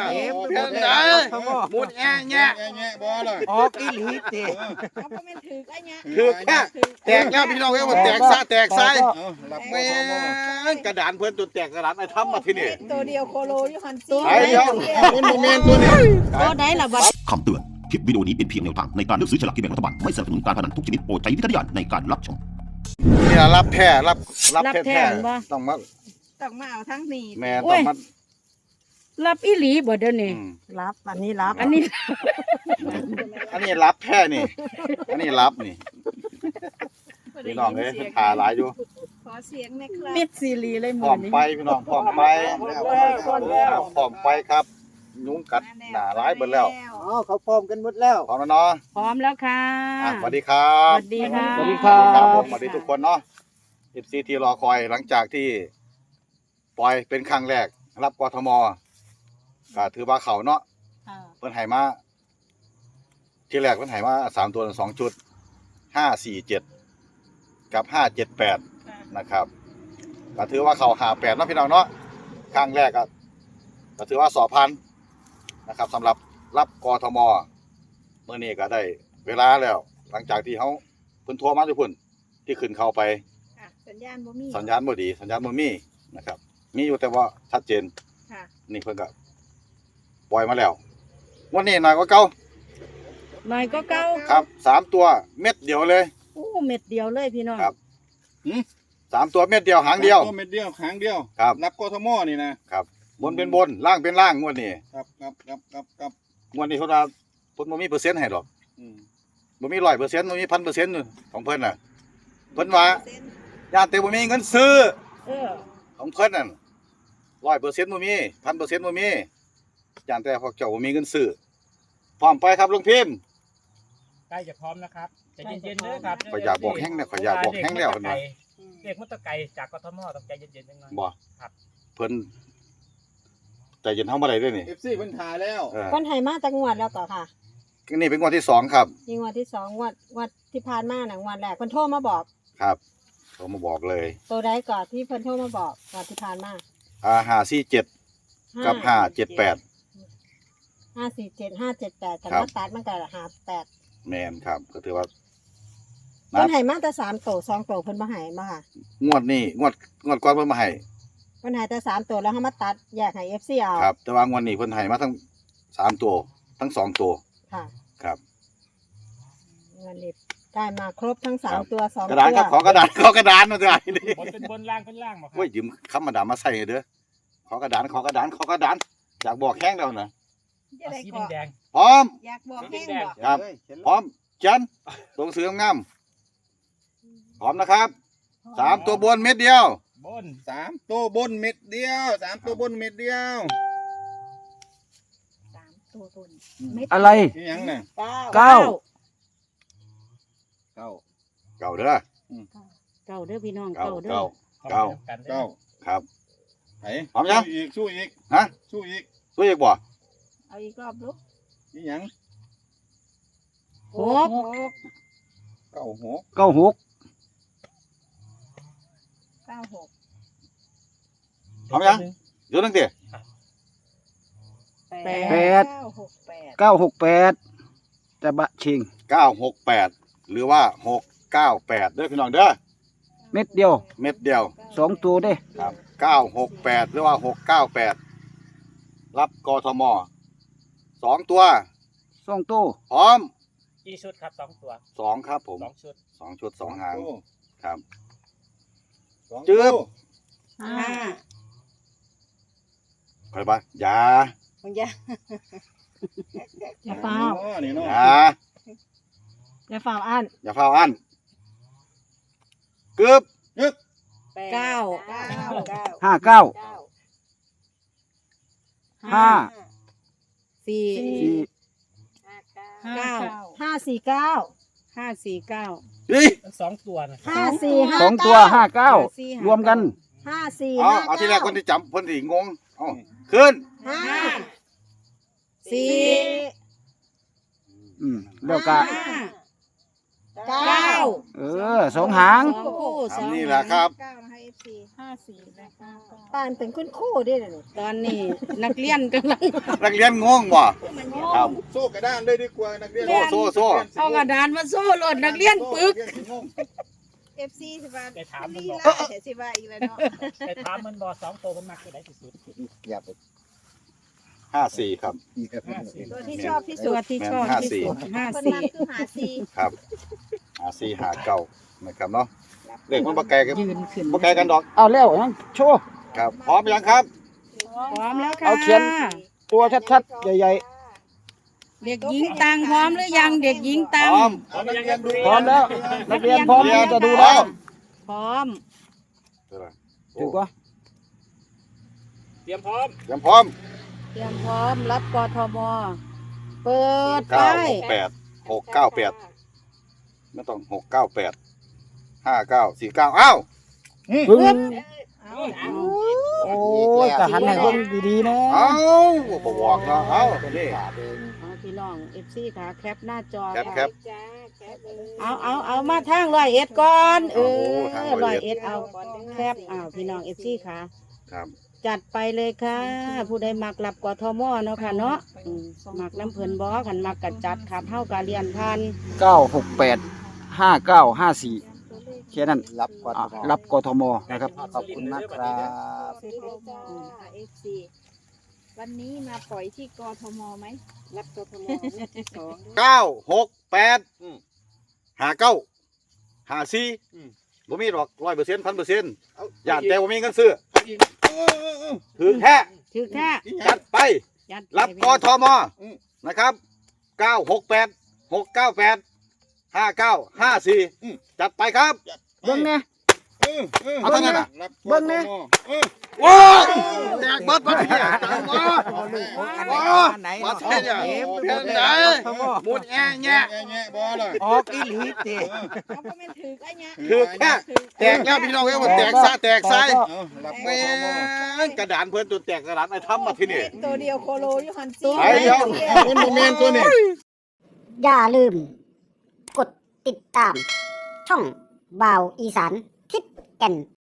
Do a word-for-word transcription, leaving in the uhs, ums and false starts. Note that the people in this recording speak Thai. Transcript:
เพี้ยนไหนมุดแง่แง่แง่บ่เลยออกอีหลีเตะคือแค่แตกแล้วพี่น้องเอ้ยมันแตกซะแตกไซแม่กระดานเพื่อนจนแตกกระดานไอ้ทำมาที่นี่ตัวเดียวโคโลอยู่หันตัวไอ้เดียวคุณโมเมนตัวนี้ตัวไหนล่ะบัดคำเตือนคลิปวิดีโอนี้เป็นเพียงแนวทางในการเลือกซื้อฉลากกินแบ่งรัฐบาลไม่สนับสนุนการพนันทุกชนิดโปรดใช้วิจารณญาณในการรับชมนี่รับแท้รับรับแท้แท้ต้องมาต้องมาเอาทั้งนี้แม่ต้องมารับอีหลีบ่เดี๋ยวนี้รับอันนี้รับอันนี้อันนี้รับแท้นี่อันนี้รับนี่พี่น้องเอ้ยถ่าหลายอยู่ขอเสียงหน่อยครับมิดซีรีเลยพร้อมไปพี่น้องพร้อมไปพร้อมไปครับยุงกัดหนาร้ายเบิดแล้วอ๋อเขาพร้อมกันหมดแล้วพร้อมแล้วเนาะพร้อมแล้วค่ะสวัสดีครับสวัสดีค่ะสวัสดีครับผมสวัสดีทุกคนเนาะ เอฟ ซี ที่รอคอยหลังจากที่ปล่อยเป็นครั้งแรกรับกทมก็ถือว่าเขาเนาะเพิ่นให้มาที่แรกเพิ่นให้มาสามตัวสองชุดห้าสี่เจ็ดกับห้าเจ็ดแปดนะครับก็ถือว่าเขาหาแปดเนาะพี่น้องเนาะครั้งแรกก็ก็ถือว่าสอบผ่านนะครับสำหรับรับกทมเมื่อนี้ก็ได้เวลาแล้ว หลังจากที่เขาเพิ่นโทรมาทุกคนที่ขึ้นเข้าไปสัญญาณบ่มีสัญญาณบ่ดีสัญญาณบ่มีนะครับมีอยู่แต่ว่าชัดเจนนี่เพิ่นก็ปล่อยมาแล้ววันนี้หน่อยกว่าเก่าหน่อยก็เก่าครับสามตัวเม็ดเดียวเลยโอ้เม็ดเดียวเลยพี่น้องครับสามตัวเม็ดเดียวหางเดียวตัวเม็ดเดียวหางเดียวครับรับกทมนี่นะครับบนเป็นบนล่างเป็นล่างงวดนี้ครับครับครับครับครับงวดนี้เพิ่นว่าเพิ่นบ่มีเปอร์เซ็นต์ให้หรอกอืมบ่มีร้อยเปอร์เซ็นต์บ่มีพันเปอร์เซ็นต์ของเพิ่นน่ะเพิ่นว่าย่านแต่บ่มีเงินซื้อเออของเพิ่นนั่นร้อยเปอร์เซ็นต์บ่มีพันเปอร์เซ็นต์บ่มีย่านแต่พวกเจ้าบ่มีเงินซื้อพร้อมไปครับลุงพิมพ์ใกล้จะพร้อมนะครับใจเย็นๆเด้อครับขอยอยากบอกแห้งเนี่ยขอยอยากบอกแห้งแล้วเพิ่นว่าเด็กมุตตะไก่จากกทมต้องใจเย็นๆจังหน่อยบ่ครับเพิ่นใจเย็นเฮาบ่ได้เด้อนี่เอฟ ซี เพิ่นถ่ายแล้วเพิ่นให้มาจักงวดแล้วก็ค่ะนี่เป็นงวดที่สองครับนี่งวดที่สองงวดงวดที่ผ่านมาน่ะงวดแรกเพิ่นโทรมาบอกครับโทรมาบอกเลยตัวใดก่อนที่เพิ่นโทรมาบอกงวดที่ผ่านมาอ่าห้าสี่เจ็ดกับห้าเจ็ดแปดห้าสี่เจ็ดห้าเจ็ดแปดแต่มาตัดมันก็ห้าแปดแม่นครับก็ถือว่าเพิ่นให้มาแต่สามโตสองโตเพิ่นบ่ให้มาค่ะงวดนี้งวดงวดก่อนเพิ่นมาให้เพิ่นให้แต่สามตัวแล้วเฮามาตัดแยกให้ เอฟ ซี เอาครับแต่ว่างวดนี้เพิ่นให้มาทั้งสามตัวทั้งสองตัวค่ะครับงวดนี้ได้มาครบทั้งสามตัวสองตัวกระดานครับขอกระดานขอกระดานมาด้วยนี่บนเป็นบนล่างเป็นล่างบ่ครับโอ้ยยืมคำมาดามมาใส่เด้อขอกระดานขอกระดานขอกระดานอยากบอกแห้งแล้วนะสีแดงพร้อมอยากบอกแห้งบ่ครับพร้อมจันตรงเสืองามพร้อมนะครับสามตัวบนเม็ดเดียวบนสามตัวบนเม็ดเดียวสามตัวบนเม็ดเดียวสามตัวบนอะไรนี่ยังน่ะเก้าเก้าเก้าเด้อเก้าเด้อพี่น้องเก้าเด้อเก้าเก้าครับไหนพร้อมยังอีกสู้อีกฮะสู้อีกสู้อีกบ่เอาอีกรอบลูกนี่ยังหกเก้าหกเก้าหกเก้าหกพร้อมยังเดี๋ยวนึงดิแปดเก้าหกแปดเก้าหกแปดจะบะชิงเก้าหกแปดหรือว่าหกเก้าแปดเด้อพี่น้องเด้อเม็ดเดียวเม็ดเดียวสองตัวเด้ครับเก้าหกแปดหรือว่าหกเก้าแปดรับกทมสองตัวสองตัวพร้อมกี่ชุดครับสองตัวสองครับผมสองชุดสองชุดสองหางครับจืบห้าใครบ้างยาอย่าอย่าเฝ้าอย่าอย่าเฝ้าอันอย่าเฝ้าอันกึบยึกเก้าห้าเก้าห้าสี่เก้าห้าสี่เก้าห้าสี่เก้าสองตัวนะห้าสี่ห้าสองตัวห้าเก้ารวมกันห้าสี่เอาเอาที่แรกคนที่จำคนที่งงเอาขึ้นห้าสี่อืมแล้วก็เก้าเออสองหางนี่แหละครับห้าสี่และเก้าปานเป็นคุณครูเด้อนี่ตอนนี้นักเรียนกำลังนักเรียนงงบ่ครับโซ่กระด้านเลยดีกว่านักเรียนโซ่โซ่โซ่เอากระดานมาโซ่รถนักเรียนปึกเอฟซีสิว่าไปถามมันลีบอกลาแต่สิว่าอีกแล้วเนาะไปถามมันบอกสองตัวมันมักตัวไหนที่สุดอย่าไปห้าสี่ครับห้าสี่ตัวที่ชอบที่สุตัดวที่ชอบที่สุดห้าคนสี่นั้นคือหาซีครับหาสี่หาเก้านะครับเนาะเลขมันบ่ไกลกันยืนขึ้นบ่ไกลกันดอกเอาแล้วยังโชว์ครับพร้อมยังครับพร้อมแล้วค่ะเอาเขียน ตัวชัดๆใหญ่เด็กหญิงตังพร้อมหรือยังเด็กหญิงพตังร้อมเอานักเรียนดูๆพร้อมแล้ว นักเรียนพร้อมที่จะดูแล้วพร้อมถูกปะเตรียมพร้อมยังพร้อมเตรียมพร้อมรับกทมเปิดไปเก้าหกแปดหกเก้าแปดไม่ต้องหกเก้าแปดห้าเก้าสี่เก้าอ้าวปึ้งเอาโอ้ยจะหันให้เบิ่งดีๆนะเอ้าบ่บอกเนาะเอ้านี่เอาพี่น้องเอฟซีค่ะแคปหน้าจอแคปค่ะแคปจ้าแคปเลยเอาเอาเอามาทางร้อยเอ็ดก่อนเอโอ้อทางร้ร้ออย ยเอ็เอ็ดดเอาแคปอ้าวพี่น้องเอฟซีค่ะครับจัดไปเลยค่ะ ผู้ใดมักรับกทมเนาะค่ะเนาะอืมมักน้ำเพลินบอขันมักกัดจัดครับเท่ากับเรียนพันเก้าหกแปดห้าเก้าห้าสี่แค่นั้นรับกอ่ะทมรับกทมนะครับขอบคุณมากครับเสร็จแล้วจ้าเอฟซีวันนี้มาปล่อยที่กทมไหม รับกทมสองเก้าหกแปดห้าเก้าห้าสี่บ่มีดอกร้อยเปอร์เซ็นต์พันเปอร์เซ็นต์อย่าแต่บ่มีเงินซื้อถือแค่ถือแค่จัดไปจัดไปรับกทมนะครับเก้าหกแปดหกเก้าแปดห้าเก้าห้าสี่จัดไปครับเบิ่งเนี่ยเอาเท่านั้นน่ะรับเบิ่งเนี่ยว้าวแตกเบิดมาที่เนี่ยว้าวว้าวมาใช่เนี่ยเพียงไหนมุดแง่แง่แง่แง่บ่เลยออกอีหลีเตะเขาก็ไม่ถือไอ้เนี้ยคือแค่แตกแล้วพี่น้องเอ้ยว่าแตกซะแตกไซเอารับกแม่ทมงกระดานเพื่อนจนแตกกระดานไอ้ทำมาที่นี่ตัวเดียวโคโลอยู่หันซีไอ้เดียวคนโมเมนตัวนี้อย่าลืม กดติดตาม ช่องบ่าวอีสานทิศแก่น